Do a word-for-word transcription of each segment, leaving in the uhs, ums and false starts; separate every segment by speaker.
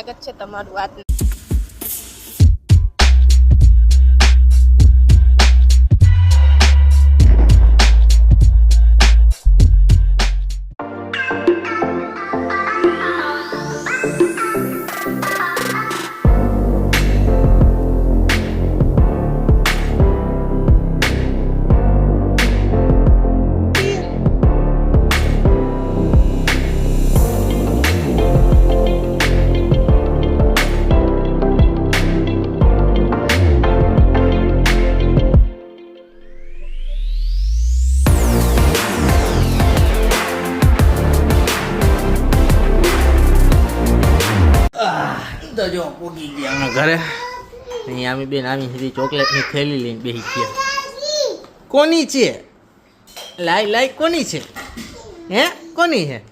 Speaker 1: સ્વાગત છે તમારું આજનું.
Speaker 2: તો જો પોગી ગયા અમે ઘરે. અહીં આમી બેન આમી સીધી ચોકલેટની થેલી લઈને બેસી ગયા. કોની છે? લાઈ લાઈ કોની છે? હે કોની છે?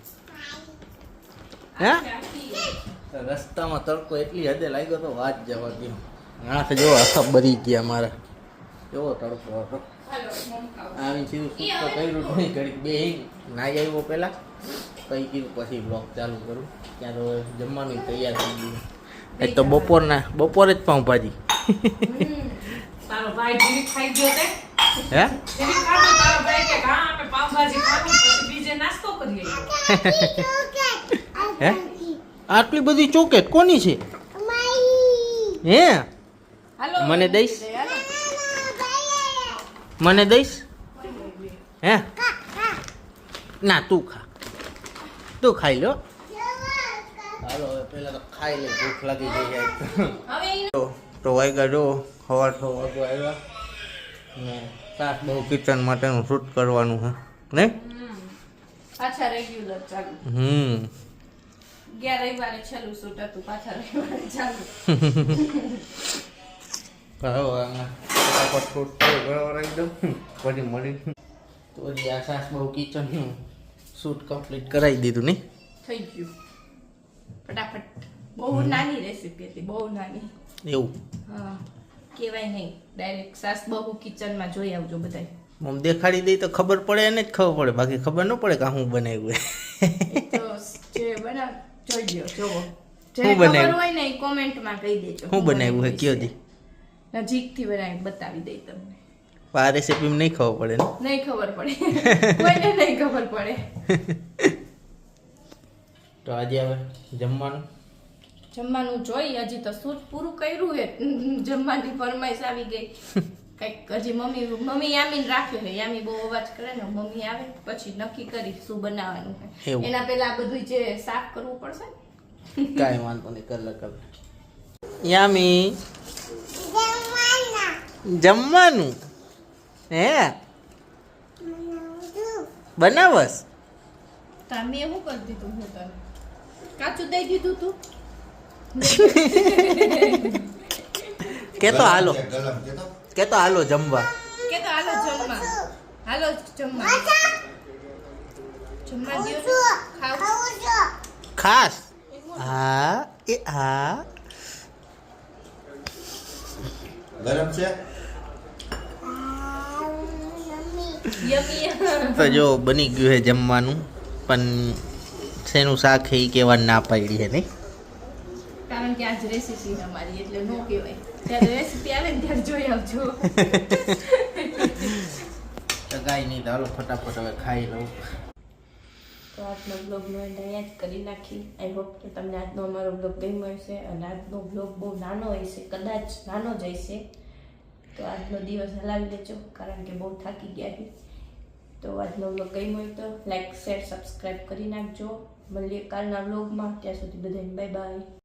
Speaker 2: હે રસ્તામાં તડકો એટલી હદે લાગ્યો તો વાત જવા ગયો. હાથ જો આખા બરી ગયા મારા. કેવો તડકો હતો. આમી સીધું સૂટ તો કર્યું નહીં ઘડીક બે નાઈ આવ્યો પહેલાં કઈ કીધું પછી બ્લોગ ચાલુ કરું. ત્યાં તો જમવાનું તૈયાર થઈ ગયું. એ તો બપોરના બપોરે જ પાઉંભાજી.
Speaker 3: તારો ભાઈ જીરી ખાઈ ગયો તે
Speaker 2: હે
Speaker 3: જીરી ખાધો તારો ભાઈ કે હા અમે પાવભાજી ખાધું પછી બીજે નાસ્તો કરી આવ્યો.
Speaker 2: હે આટલી બધી ચોકેટ કોની છે? હે
Speaker 3: હાલો
Speaker 2: મને દઈશ? મને દઈશ? હે ના તું ખા, તું ખાઈ લો. હાલો હવે પહેલા તો ખાઈ લે, ભૂખ લાગી ગઈ જાય.
Speaker 3: હવે
Speaker 2: તો તો વાગ્યા જો સવાર છ વાગવા આવ્યા ને સાત બહુ કિચન માટેનું શૂટ કરવાનું છે નહીં?
Speaker 3: પાછા રેગ્યુલર ચાલુ.
Speaker 2: હમ
Speaker 3: ગયા રવિવારે છેલ્લું શૂટ હતું, પાછા રવિવારે ચાલુ.
Speaker 2: હવે આમાં ફટાફટ શૂટ થઈ બરાબર એકદમ પછી મળી તો હજી આ સાસ બહુ કિચનનું શૂટ કમ્પ્લીટ કરાવી દીધું નહીં?
Speaker 3: થઈ ગયું ફટાફટ. બહુ નાની રેસીપી હતી, બહુ નાની.
Speaker 2: એવું
Speaker 3: હા કહેવાય નહીં, ડાયરેક્ટ સાસ બહુ કિચનમાં જોઈ આવજો બધાય.
Speaker 2: આમ દેખાડી દઈ તો ખબર પડે એને જ ખબર પડે, બાકી ખબર ન પડે કે હું બનાવ્યું.
Speaker 3: તો જે બનાવ જોઈ લ્યો, જોવો.
Speaker 2: હું
Speaker 3: જે
Speaker 2: બનાવ્યું?
Speaker 3: ખબર હોય ને એ કોમેન્ટમાં કહી દેજો.
Speaker 2: હું બનાવ્યું હે કયો દી?
Speaker 3: નજીકથી બનાવી બતાવી દઈ તમને.
Speaker 2: આ રેસીપી નહીં ખબર પડે ને?
Speaker 3: નહીં ખબર પડે, કોઈને નહીં ખબર પડે.
Speaker 2: તો આજે હવે જમવાનું
Speaker 3: જમવાનું જોઈ, હજી તો શૂટ પૂરું કર્યું હે, જમવાની ફરમાઈશ આવી ગઈ. કઈક હજી મમ્મી મમ્મી યામીને રાખ્યો છે. યામી બહુ અવાજ કરે ને, મમ્મી આવે પછી નક્કી કરી શું બનાવવાનું છે.
Speaker 2: એવું?
Speaker 3: એના પહેલા આ બધું જે સાફ કરવું પડશે ને.
Speaker 2: કાંઈ વાંધો નહીં, કર લે કર લે. યામી જમવાનું હે બનાવસ?
Speaker 3: તમે એવું કરી દીધું, હું તને કાચું દઈ દીધું તું.
Speaker 2: કે તો હાલો, કે તો હાલો જમવા.
Speaker 3: કે તો હાલો જમવા, હાલો જમવા. જમવા દ્યો, ખાવ.
Speaker 2: ખાસ હા એ હા
Speaker 4: ગરમ છે.
Speaker 3: યમી.
Speaker 2: તો જો બની ગયું છે જમવાનું, પણ શેનું શાક છે એ કહેવા ના પાડી છે નહીં?
Speaker 3: કારણ કે આજ રેસીપી અમારી એટલે નો કહેવાય. ત્યારે રેસીપી આવે ને ત્યારે જોઈ આવજો.
Speaker 2: તો કાંઈ નહીં, તો હાલો ફટાફટ હવે ખાઈ લઉં.
Speaker 3: તો આજનો બ્લોગનો એન્ડ અહીંયા જ કરી નાખી. આઈ હોપ કે તમને આજનો અમારો બ્લોગ ગમ્યો હશે. અને આજનો બ્લોગ બહુ નાનો હશે, કદાચ નાનો જ હશે. તો આજનો દિવસ હલાવી લેજો, કારણ કે બહુ થાકી ગયા છે. તો આજનો બ્લોગ ગમ્યો હોય તો લાઈક શેર સબસ્ક્રાઈબ કરી નાખજો. મળીએ કાલના બ્લોગમાં. ત્યાં સુધી બધાને બાય બાય.